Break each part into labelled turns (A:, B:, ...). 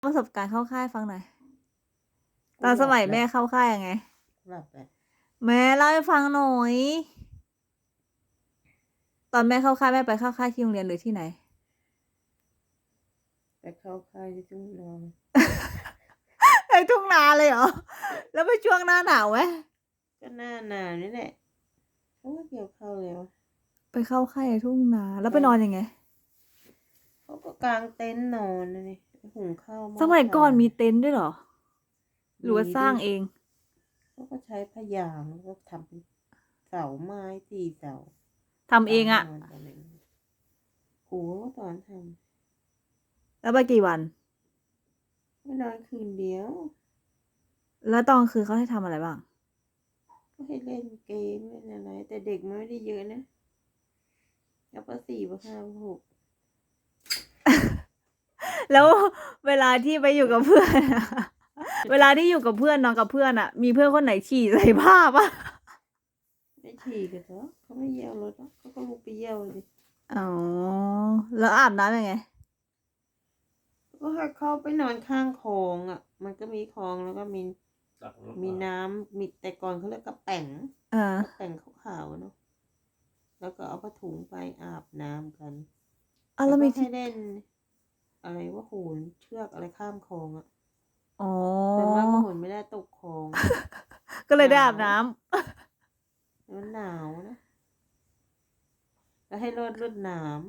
A: ประสบการณ์เข้าค่ายฟังหน่อยตอนสมัยแม่เข้าค่ายยังไง
B: หลับแหละ
A: แม่เล่าให้ฟังหน่อย ตอนแม่เข้าค่ายแม่ไปเข้าค่ายที่โรงเรียนหรือที่ไหน
B: ไปเข้าค่ายที่ทุ่งนอน
A: ไอ้ทุ่งนาเลยเหรอ แล้วไปช่วงหน้าหนาวไหม
B: ก็หน้าหนาวนี่แหละเขาก็เกี่ยวเข้าเลยวะ
A: ไปเข้าค่ายในทุ่งนาแล้วไปนอนยังไง
B: เขาก็กางเต็นท์นอนนะนี่หุงข้าวห
A: สมัยก่อนมี
B: ถ่า
A: เต็นท์ด้วยเหรอ หรือว่าสร้างเอง
B: เขาก็ใช้พยางแล้วก็ทำเป็นเสาไม้4 เสา
A: ทำเองอะ
B: นนกันเองครูก็สอนท
A: แล้วไปกี่วัน
B: ำไม่นอนคืนเดียว
A: แล้วตอนกลางคืนเขาให้ทำอะไรบ้าง
B: ก็ให้เล่นเกมเล่นอะไร แต่เด็กมันไม่ได้เยอะนะแล้วป.4 ป.5 ป.6
A: แล้วเวลาที่ไปอยู่กับเพื่อนอะ เวลาที่อยู่กับเพื่อนนอนกับเพื่อนอะมีเพื่อนคนไหนฉี่ใส่ผ้าปะ
B: ไม่ฉี่กันเหรอเขาไม่เยี่ยวรถหรอกเขาก็ลุกไปเยี่ยวเลย
A: อ๋อ แล้วอาบน้ำยังไง
B: ก็ให้เข้าไปนอนข้างคลองอ่ะ มันก็มีคลองแล้วก็มีน้ำมีแต่ก่อนเขาเรียกกระแป๋ง
A: เออ
B: กระแป๋งขาวๆเนาะแล้วก็เอาผ้าถุงไปอาบน้ำกัน
A: อ่ะแล้วมี
B: ก็
A: ที่
B: ให้เล่น อะไรว่าโหนเชือกอะไรข้ามคลองอ่ะ
A: อ๋อ
B: แต่ว่าก็โหนไม่ได้ตกคลอง
A: ก็เลยได้อาบน้ำ
B: มันหนาวนะแล้วให้รดน้ำ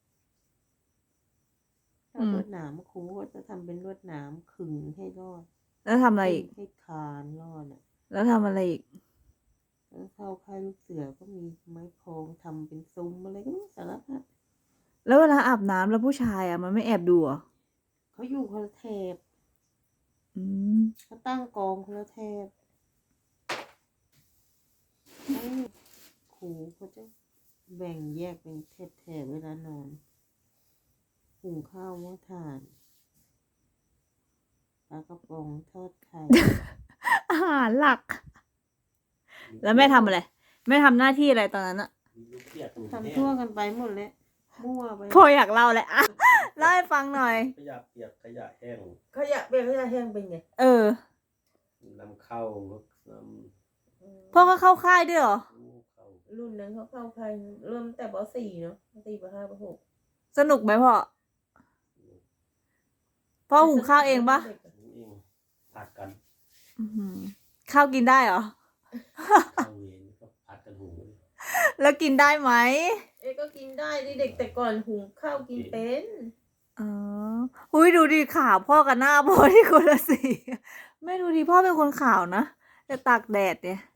B: รดน้ำครูก็จะทำเป็นรดน้ำขึงให้รอด
A: แล้วทำอะไรอีก
B: ให้คานรอดอ่ะ
A: แล้วทำอะไรอีก
B: แล้วเข้าค่ายลูกเสือก็มีไม้โครงทำเป็นซุ้มอะไรก็ไม่รู้สารพัด
A: แล้วเวลาอาบน้ำแล้วผู้ชายอ่ะมันไม่แอบดูเหรอ
B: เขาอยู่คนละแถบ
A: อืม
B: เขาตั้งกองคนละแถบให้ครูเขาจะแบ่งแยกเป็นแถบเวลานอนหุงข้าวหม้อถ่านปลากระป๋องทอดไข่
A: อาหารหลัก แล้วแม่ทำอะไร แม่ทำหน้าที่อะไรตอนนั้นอะ
B: ทำทั่วกันไปหมดเลยมั่วไป
A: พ่ออยากเล่าแหละอะเล่าให้ฟังหน่อย
C: ขยะเปียกขยะแห้ง
B: ขยะเปียกขยะแห้งเป็นไง
A: เออ
C: นำเข้าน้
A: พ่อก็เข้าค่ายด้วยเหรอ
C: ำเข้า
B: รุ่นนั้นเขาเข้าใครเริ่มแต่ป.4 เนาะป.4 ป.5 ป.6
A: สนุกไหมพ่อ พ่อหุงข้าวเองปะ
C: เองผัดกัน
A: อื้อหือข้าวกินได้เหรอ
C: เข้าเวรก็ผัดกันหุง
A: แล้วกินได้ไหม
B: เอ้ก็กินได้ดิเด็กแต่ก่อนหุงข้าวกินเป็น
A: อ๋อหุ้ยดูดิขาวพ่อกับหน้าพ่อที่คนละสีแม่ดูดิพ่อเป็นคนขาวนะแต่ตากแดดเนี่ย